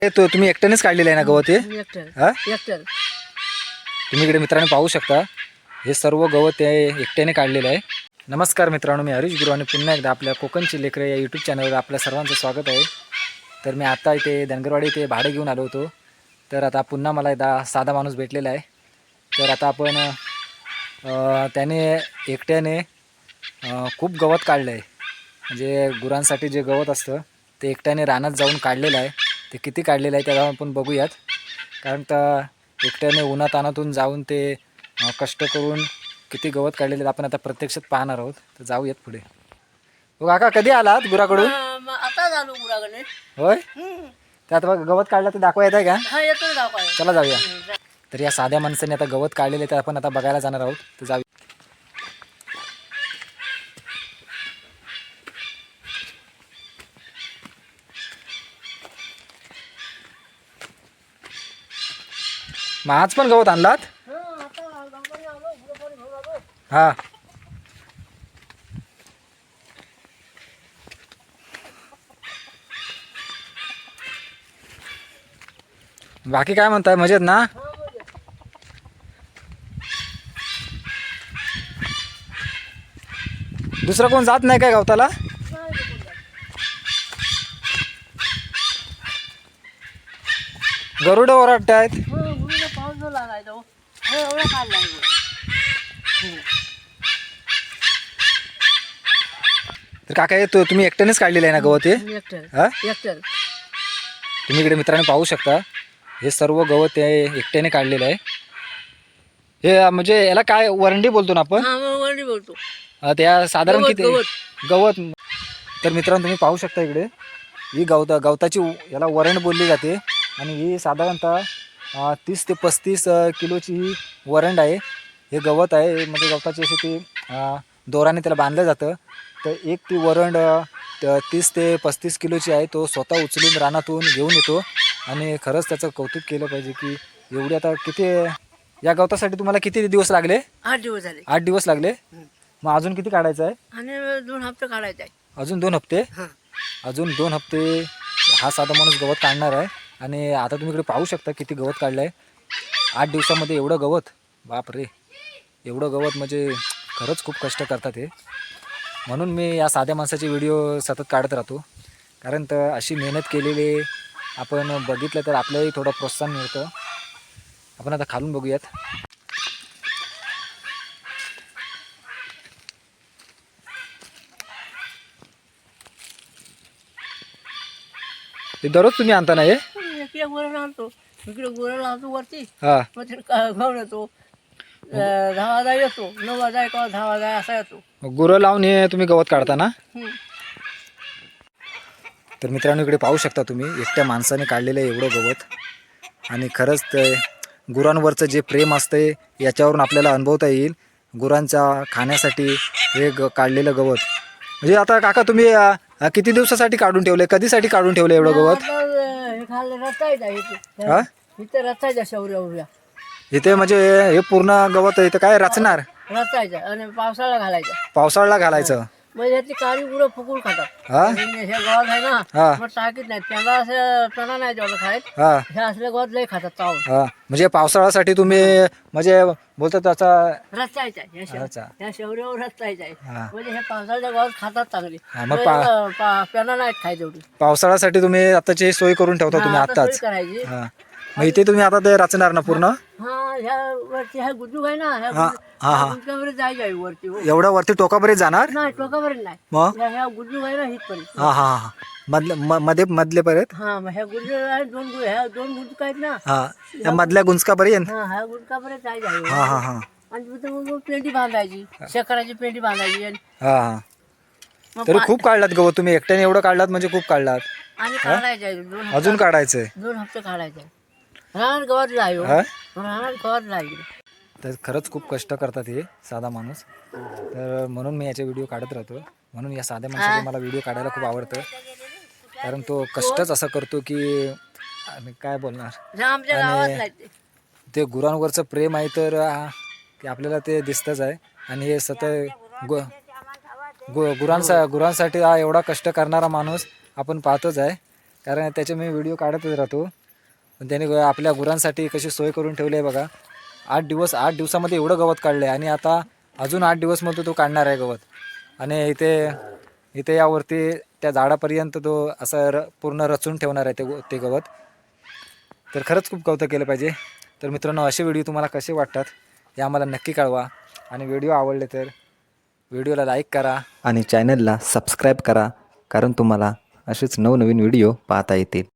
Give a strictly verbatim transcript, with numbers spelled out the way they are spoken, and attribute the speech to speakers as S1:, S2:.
S1: हे तो तुम्ही एकट्यानेच काढलेलं आहे ना गवत हे?
S2: एकटर
S1: हा
S2: एकटर
S1: तुम्ही इकडे मित्रांनो पाहू शकता, हे सर्व गवत आहे एकट्याने काढलेलं आहे. नमस्कार मित्रांनो, मी हरीश गुरु आणि पुन्हा एकदा आपल्या कोकणची लेकरं या यूट्यूब चॅनलवर आपल्या सर्वांचं स्वागत आहे. तर मी आता इथे धनगरवाडी इथे भाडे घेऊन आलो होतो. तर आता पुन्हा मला एकदा साधा माणूस भेटलेला आहे. तर आता आपण अ, त्याने एकट्याने अ, खूप गवत काढलं आहे. म्हणजे गुरांसाठी जे गवत असतं ते एकट्याने रानात जाऊन काढलेलं आहे. ते किती काढलेलं आहे त्याला आपण बघूयात. कारण तर एकट्याने उन्हातानातून जाऊन ते अ, कष्ट करून किती गवत काढलेले आपण आता प्रत्यक्षात पाहणार आहोत. तर जाऊयात पुढे. हो काका, कधी आलात गुराकडून?
S2: आता झालो गुराकडे.
S1: होय, त्यात बघ गवत काढलं ते दाखवा येत आहे का?
S2: हा येतो दाखवाय.
S1: चला जाऊया. तर या साध्या माणसाने आता गवत काढलेले ते आपण आता बघायला जाणार आहोत. तर जाऊया. मग आज पण गवत आणलात? हा, बाकी काय म्हणताय, मजेत ना? दुसरं कोण जात नाही काय गवताला? गरुड ओरडत आहेत.
S2: पाऊस जो लागायचा हो. हे एवढा काढलाय
S1: तर काका हे तो तुम्ही एकट्यानेच काढलेलं आहे ना गवत हे?
S2: एकटर
S1: हा,
S2: एकटर
S1: तुम्ही इकडे मित्रांनो पाहू शकता, हे सर्व गवत आहे एकट्याने काढलेलं आहे. हे म्हणजे याला काय वरंडी बोलतो ना आपण?
S2: हा मग वरडी बोलतो.
S1: अं, त्या साधारण
S2: गवत,
S1: किती
S2: गवत.
S1: गवत. तर मित्रांनो तुम्ही पाहू शकता इकडे ही गवता गवताची याला वरण बोलली जाते. आणि ही साधारणतः अं, तीस ते पस्तीस अं, किलोची ही वरंड आहे. हे गवत आहे, म्हणजे गवताची अशी ती अं, दोराने त्याला बांधलं जातं. तर एक ती वरंड अं, त- तीस ते पस्तीस किलोची आहे. तो स्वतः उचलून रानातून घेऊन येतो. आणि खरंच त्याचं कौतुक केलं पाहिजे की एवढी आता किती या गवतासाठी तुम्हाला किती दिवस लागले?
S2: आठ दिवस झाले.
S1: आठ दिवस लागले.
S2: हम्म.
S1: मग अजून किती काढायचं आहे?
S2: आणि दोन हप्ते काढायचे आहे.
S1: अजून दोन हप्ते.
S2: हा
S1: अजून दोन हप्ते हा साधा माणूस गवत काढणार आहे. आणि आता तुम्ही इकडे पाहू शकता किती गवत काढलं आहे आठ दिवसामध्ये. एवढं गवत, बाप रे, एवढं गवत म्हणजे खरंच खूप कष्ट करतात हे. म्हणून मी या साध्या माणसाचे व्हिडिओ सतत काढत राहतो. कारण तर अशी मेहनत केलेली आपण बघितलं तर आपल्यालाही थोडं प्रोत्साहन मिळतं. आपण आता खालून बघूयात. ते दररोज तुम्ही आणता ना हे?
S2: इकडे गुरं लावतो, इकडे गुरं लावतो वरती.
S1: हा,
S2: मग ते घेऊन येतो. अं, दहा वाजा येतो, नऊ वाजा किंवा दहा वाजा असा येतो.
S1: गुरं लावून हे तुम्ही गवत काढता ना?
S2: हम्म.
S1: तर मित्रांनो इकडे पाहू शकता तुम्ही एकट्या माणसाने काढलेलं आहे एवढं गवत. आणि खरंच ते गुरांवरचं जे प्रेम असतं याच्यावरून आपल्याला अनुभवता येईल. गुरांच्या खाण्यासाठी हे ग काढलेलं गवत. म्हणजे आता काका तुम्ही अ, किती दिवसासाठी काढून ठेवले, कधीसाठी काढून ठेवलं एवढं गवत?
S2: आता, अं, हे खाल्लं रचायचं आहे इथे.
S1: हा,
S2: इथे रचायचं शौर्या उर्या
S1: इथे म्हणजे हे पूर्ण गवत इथं काय रचणार?
S2: रचायचं आणि पावसाळा घालायचा.
S1: पावसाळ्याला घालायचं?
S2: म्हणजे ह्यातली काळी गुरं फुकून खातात.
S1: हा
S2: हे गवत आहे ना,
S1: हा
S2: मग टाकीत नाही त्यांना असं त्यांना नाही जेवढं खायत.
S1: हा
S2: हे असले गवत लय खातात चावून.
S1: हा, म्हणजे पावसाळ्यासाठी तुम्ही म्हणजे बोलतो त्याचा.
S2: रचायचा आहे. ह्या
S1: अच्छा.
S2: शेव- ह्या शेवऱ्यावर रचायचं आहे.
S1: हा.
S2: म्हणजे हे पावसाळ्याच्या गवत खातात चांगली.
S1: हा, मग पा-
S2: म्हणजे, पा- त्यांना नाही खाय तेवढी.
S1: पावसाळ्यासाठी तुम्ही आताची सोय करून ठेवता तुम्ही
S2: हा, आता सोय
S1: आत्ताच?
S2: करायची.
S1: हा, मग इथे तुम्ही आता ते रचणार ना पूर्ण?
S2: हा ह्या वरती ह्या गुजूक आहे ना, ह्या
S1: हा, हा, हा.
S2: गुजकावर जायचं आहे वरती. हो.
S1: एवढ्या वरती टोकापर्यंत जाणार?
S2: नाही टोकावर नाही.
S1: मग
S2: ह्या ह्या गुजूक आहे ना हितपर्यंत.
S1: हा हा हा, मधल्या म- मध्ये मधले पर्यंत.
S2: हा मग ह्या गुजूक आहे दोन गु- ह्या दोन गुजूक आहेत ना.
S1: हा, या मधल्या गुंजकापर्यंत.
S2: हा ह्या गुजकापर्यंत जायचं आहे.
S1: हा हा हा
S2: आणि तिथं मग पेंडी बांधायची, शेकडाची पेंडी बांधायची. आणि
S1: हा हा.
S2: मग
S1: तरी
S2: पा-
S1: खूप काढलात गवत तुम्ही एकट्याने, एवढं काढलात म्हणजे खूप काढलात.
S2: आणि काढायचं आहे दोन हप्ते-
S1: अजून काढायचंय?
S2: दोन हप्ते काढायचे आहे. रानात गवत जायो,
S1: हा,
S2: रानात गवत जाईल.
S1: तर खरंच खूप कष्ट करतात हे साधा माणूस. तर म्हणून मी याचे व्हिडिओ काढत राहतो. म्हणून या साध्या माणसाचे मला व्हिडिओ काढायला खूप आवडतं. कारण तो कष्टच असं करतो की आणि काय बोलणार.
S2: जे आमच्या
S1: आणि-
S2: गावात नाही ते.
S1: ते गुरांवरचं प्रेम आहे तर आ, ते आपल्याला ते दिसतंच आहे. आणि हे सतत गु गु गुरांसा गुरांसाठी हा एवढा कष्ट करणारा माणूस आपण पाहतोच आहे. कारण त्याचे मी व्हिडिओ काढतच राहतो. पण त्याने ग- आपल्या गुरांसाठी कशी सोय करून ठेवली आहे बघा. आठ दिवस आठ दिवसामध्ये एवढं गवत काढलं आहे आणि आता अजून आठ दिवसमध्ये तो काढणार आहे गवत. आणि इथे इथे यावरती त्या झाडापर्यंत तो असं र पूर्ण रचून ठेवणार आहे ते गो- ते गवत. तर खरंच खूप कौतुक केलं पाहिजे. तर मित्रांनो, असे व्हिडिओ तुम्हाला कसे वाटतात हे आम्हाला नक्की कळवा. आणि व्हिडिओ आवडले तर व्हिडिओला लाईक करा
S3: आणि चॅनलला सबस्क्राईब करा, कारण तुम्हाला असेच नवनवीन व्हिडिओ पाहता येतील.